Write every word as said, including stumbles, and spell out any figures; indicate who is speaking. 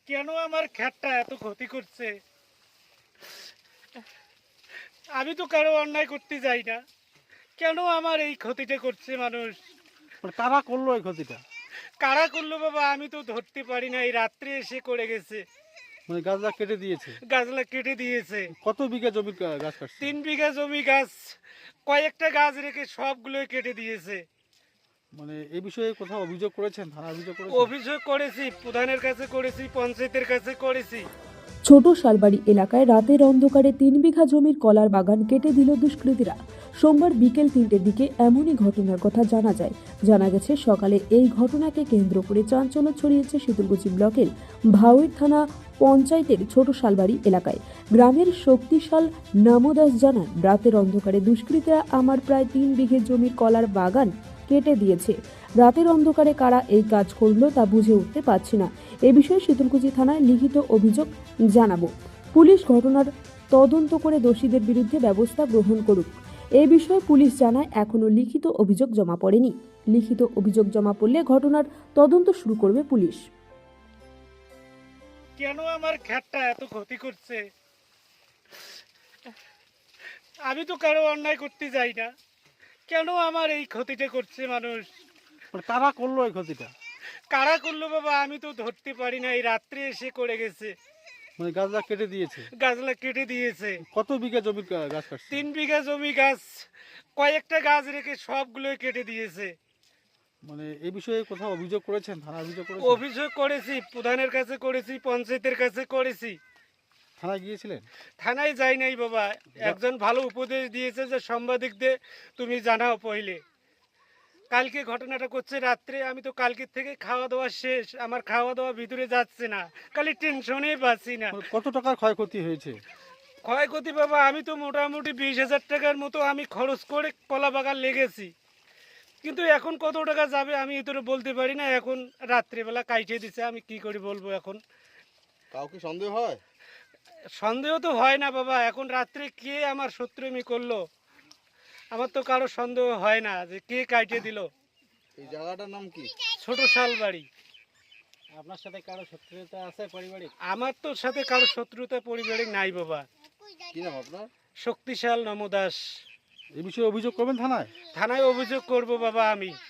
Speaker 1: কেন আমার খ্যাটটা এত ক্ষতি করছে? আমি তো কারো অন্যায় করতে যাই না, কেন আমার এই ক্ষতিটা করছে মানুষ?
Speaker 2: মানে কারা করলো এই ক্ষতিটা?
Speaker 1: কারা করলো বাবা, আমি তো ধরতে পারি না। এই রাত্রে এসে করে গেছে,
Speaker 2: মানে গাছটা কেটে দিয়েছে?
Speaker 1: গাছলা কেটে দিয়েছে।
Speaker 2: কত বিঘা জমির গা- গাছ কাটছে?
Speaker 1: তিন বিঘা জমি গাছ, কয়েকটা গাছ রেখে সবগুলোই কেটে দিয়েছে।
Speaker 2: মানে এই বিষয়ে কোথাও অভিযোগ করেছেন, থানা অভিযোগ করেছেন?
Speaker 1: অভিযোগ করেছি, প্রধানের কাছে করেছি, পঞ্চায়েতের কাছে করেছি।
Speaker 3: ছোট শালবাড়ি এলাকায় রাতের অন্ধকারে তিন বিঘা জমির কলার বাগান কেটে দিল দুষ্কৃতীরা। সোমবার বিকেল তিনটের দিকে এমনই ঘটনার কথা জানা যায়। জানা গেছে সকালে এই ঘটনাকে কেন্দ্র করে চাঞ্চল্য ছড়িয়েছে শীতলকুচি ব্লকের ভাওয়ের থানা পঞ্চায়েতের ছোট শালবাড়ি এলাকায়। গ্রামের শক্তিশাল নামদাস জানান, রাতের অন্ধকারে দুষ্কৃতীরা আমার প্রায় তিন বিঘে জমির কলার বাগান কেটে দিয়েছে। রাতের অন্ধকারে কারা এই কাজ করলো তা বুঝে উঠতে পারছি না। এ বিষয়ে শীতলকুচি থানায় লিখিত অভিযোগ জানাবো। পুলিশ ঘটনার তদন্ত করে দোষীদের বিরুদ্ধে ব্যবস্থা গ্রহণ করুক। এ বিষয়ে পুলিশ জানায় এখনো লিখিত অভিযোগ জমা পড়েনি। লিখিত অভিযোগ জমা পড়লে ঘটনার তদন্ত শুরু করবে পুলিশ।
Speaker 1: কেন আমার খ্যাটটা এত ক্ষতি করছে? আমি তো কারো অন্যায় করতে যাই না, কেন আমার এই ক্ষতিটা করছে মানুষ?
Speaker 2: মানে কারা করলো এই ক্ষতিটা?
Speaker 1: কারা করলো বাবা, আমি তো ধরতে পারি না। এই রাত্রে এসে করে গেছে,
Speaker 2: মানে গাছটা কেটে দিয়েছে?
Speaker 1: গাছলা কেটে দিয়েছে।
Speaker 2: কত বিঘা জমির গা- গাছ কাটছে?
Speaker 1: তিন বিঘা জমি গাছ, কয়েকটা গাছ রেখে সবগুলোই কেটে দিয়েছে।
Speaker 2: মানে এই বিষয়ে কোথাও অভিযোগ করেছেন, থানা অভিযোগ করেছেন?
Speaker 1: অভিযোগ করেছি, প্রধানের কাছে করেছি, পঞ্চায়েতের কাছে করেছি।
Speaker 2: থানায় গিয়েছিলেন?
Speaker 1: থানায় যাই নাই বাবা। একজন ভালো উপদেশ দিয়েছে যে সাংবাদিকদের তুমি জানাও পहिले। কালকে ঘটনাটা করছে রাত্রে, আমি তো কালকের থেকে খাওয়া দাওয়া শেষ, আমার খাওয়া দাওয়া ভিতরে যাচ্ছে না, খালি টেনশনে পাচ্ছি না।
Speaker 2: মানে কত টাকার ক্ষয়ক্ষতি হয়েছে?
Speaker 1: ক্ষয়ক্ষতি বাবা, আমি তো মোটামুটি বিশ হাজার টাকার মতো আমি খরচ করে কলা বাগান লেগেছি, কিন্তু এখন কত টাকা যাবে আমি এতটা বলতে পারি না। এখন রাত্রেবেলা কাইটে দিছে, আমি কি করে বলবো এখন?
Speaker 4: কাউকে সন্দেহ হয়?
Speaker 1: সন্দেহ তো হয় না বাবা, এখন রাত্রে কে আমার শত্রুমি করলো, আমার তো কারো সন্দেহ হয় না যে কে কাইটে দিল।
Speaker 4: এই জায়গাটার নাম কি?
Speaker 1: ছোট শালবাড়ি।
Speaker 2: আপনার সাথে কারো শত্রুতা আছে পারিবারিক?
Speaker 1: আমার তো সাথে কারো শত্রুতা পরিবারিক নাই বাবা।
Speaker 4: কি নাম আপনার?
Speaker 1: শক্তিশাল নমদাস।
Speaker 2: এই বিষয়ে অভিযোগ করবেন থানায়?
Speaker 1: থানায় অভিযোগ করব বাবা আমি।